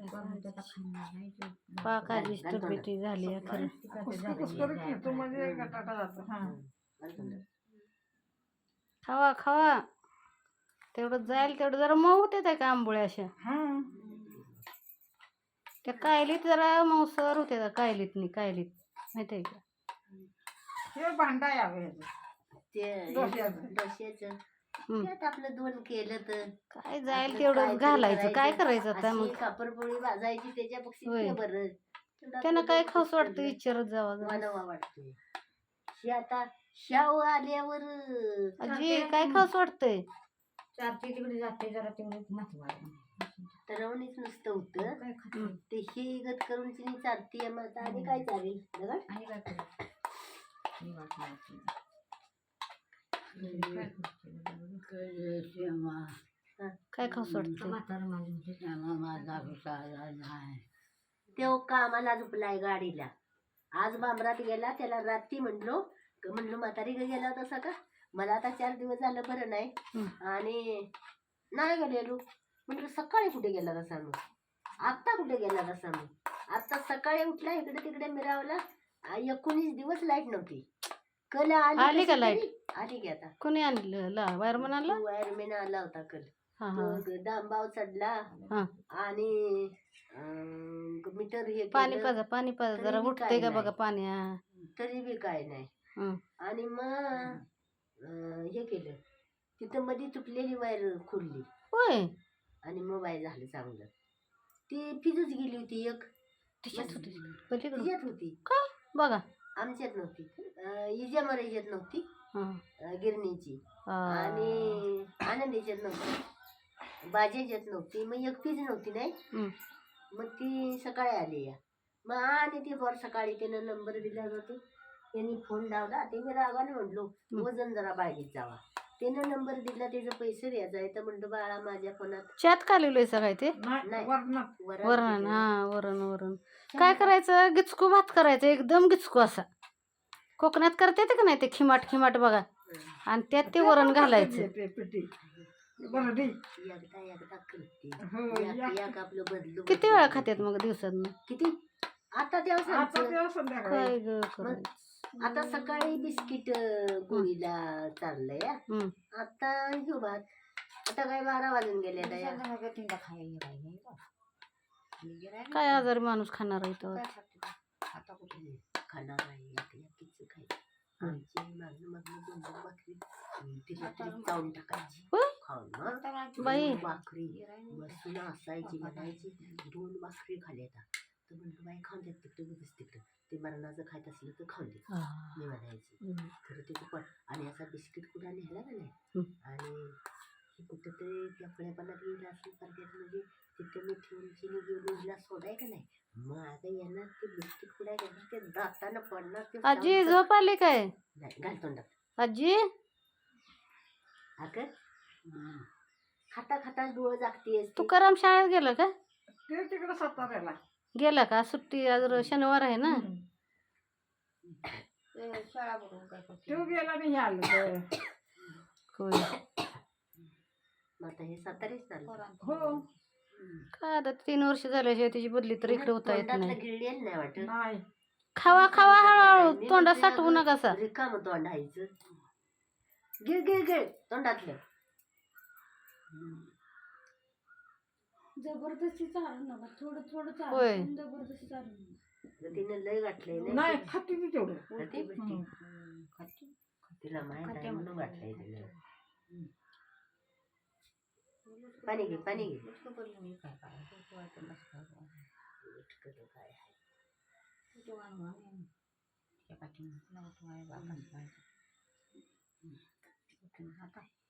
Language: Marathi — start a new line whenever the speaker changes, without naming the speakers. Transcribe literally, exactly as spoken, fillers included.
पाकाची तब्येती झाली आहे खरं. खावा खावा तेवढं जाईल तेवढं जरा मऊ होते त्या का आंबोळ्या अशा त्या कायलीत जरा मऊसर होते त्या कायलीतनी कायलीत माहिती आहे का
हे भांडा यावे
ते डोश्याचं त्यात आपलं दोन केलं तर
काय जाईल तेवढं घालायचं काय करायचं आता मग
कापरपोळी भाजायची त्याच्यापेक्षा बरं
त्यांना काय खाऊस वाटतं विचारत जावा
मला वाटतंय हे आता शाव आल्यावर
आजी काय खाऊस वाटतंय
चारती तिकडे जाते जरा तेवढे
तरवणीच नुसतं होतं ते हे गत करून तिने चालती मग आणि काय चालेल बघा
आणि काय
काय खाऊस वाटतं
तो कामाला झोपलाय गाडीला आज बांबरात गेला त्याला रात्री म्हणलो म्हणलो म्हातारी गेला तसा का मला आता चार दिवस झालं बरं नाही आणि नाही गेलेलो म्हटलं सकाळी कुठे गेला तसा मग आत्ता कुठे गेला तसा मग आता सकाळी उठला इकडे तिकडे मिरावला एकोणीस दिवस लाईट नव्हती कल
आली का लाईट
आली की आता
कोणी आणलं वायरमन आणलं
वायरमॅन आला होता कल डांबाव चढला आणि मीटर हे
पाणी पाजा पाणी पाजा जरा उठते का बघा पाणी
तरी बी काय नाही आणि मग हे केलं तिथं मध्ये तुटलेली वायर खोलली
होय
आणि मग वायर झालं चांगलं ती फिजच गेली होती एक
तिच्यात होती
तिच्यात होती
का बघा
आमच्यात नव्हती इजा मरायच्यात नव्हती गिरणीची आणि आनंदीच्यात नव्हती बाजेच्यात नव्हती मग एक फिज नव्हती नाही मग ती सकाळी आली या मग आणि ती वर सकाळी त्यानं नंबर दिला जातो त्यांनी फोन लावला ते मी रागाने म्हणलो वजन जरा बाहेर जावा त्यानं नंबर दिला त्याचे पैसे द्यायचा आहे तर म्हणतो बाळा माझ्या फोनात
चॅट का लिहिलंय सगळं ते वरण हा वरण वरण काय करायचं गिचकू भात करायचं एकदम गिचकू असा कोकणात करते का नाही ते खिमाट खिमाट बघा आणि त्यात ते वरण घालायचं किती वेळा खात्यात मग दिवसात
किती आता तेव्हा
काय ग
आता सकाळी बिस्किट गोळीला चाललंय आता घेऊ भात आता काय बारा वाजून गेले
काय आजारी माणूस खाणार आहे तो
आता कुठे खाणार आहे किती खायचं आमची मागणं मागणं दोन दोन भाकरी तिला तरी चावून टाकायची खाऊन
बाई
भाकरी बसून असायची म्हणायची दोन भाकरी खाल्ल्या तर म्हणतो बाई खाऊन देत तिकडे बघच तिकडं ते मरणाचं खायचं असलं तर खाऊन देत मी म्हणायची खरं ते पण आणि असा बिस्किट कुठं नेला का नाही आणि हे कुठं तरी त्या फळेपणात गेला असेल परदेत म्हणजे तिथे मी ठेवून चिनी घेऊन हिला सोडाय का नाही मग आता येणार ते बिस्किट कुठे घेणार ते दातानं पडणार ते
आजी झोप आली काय
नाही घाल तोंडात
आजी
अगं खाता खाता डोळं जागते
तू करम शाळेत गेला का
ते तिकडे साताऱ्याला
गेला का सुट्टी आज शनिवार आहे ना
शाळा बघून काय तो गेला नाही आलं
होय
आता हे सातारीच
हो
काय आता तीन वर्ष झाल्याशिवाय त्याची बदली तर इकडे होता येत नाही
गिळलेलं नाही वाटत
खावा खावा हळूहळू तोंडात साठवू नका सा
रिकाम तोंड हायचं गिळ गिळ गिळ तोंडातलं
जबरदस्ती चालू नका थोडं थोडं चालू
होय
जबरदस्ती चालू
तिने लय गाठलंय
नाही खाते ती तेवढं
तिला माहित आहे म्हणून गाठलंय तिने पाणी घे पाणी घे काय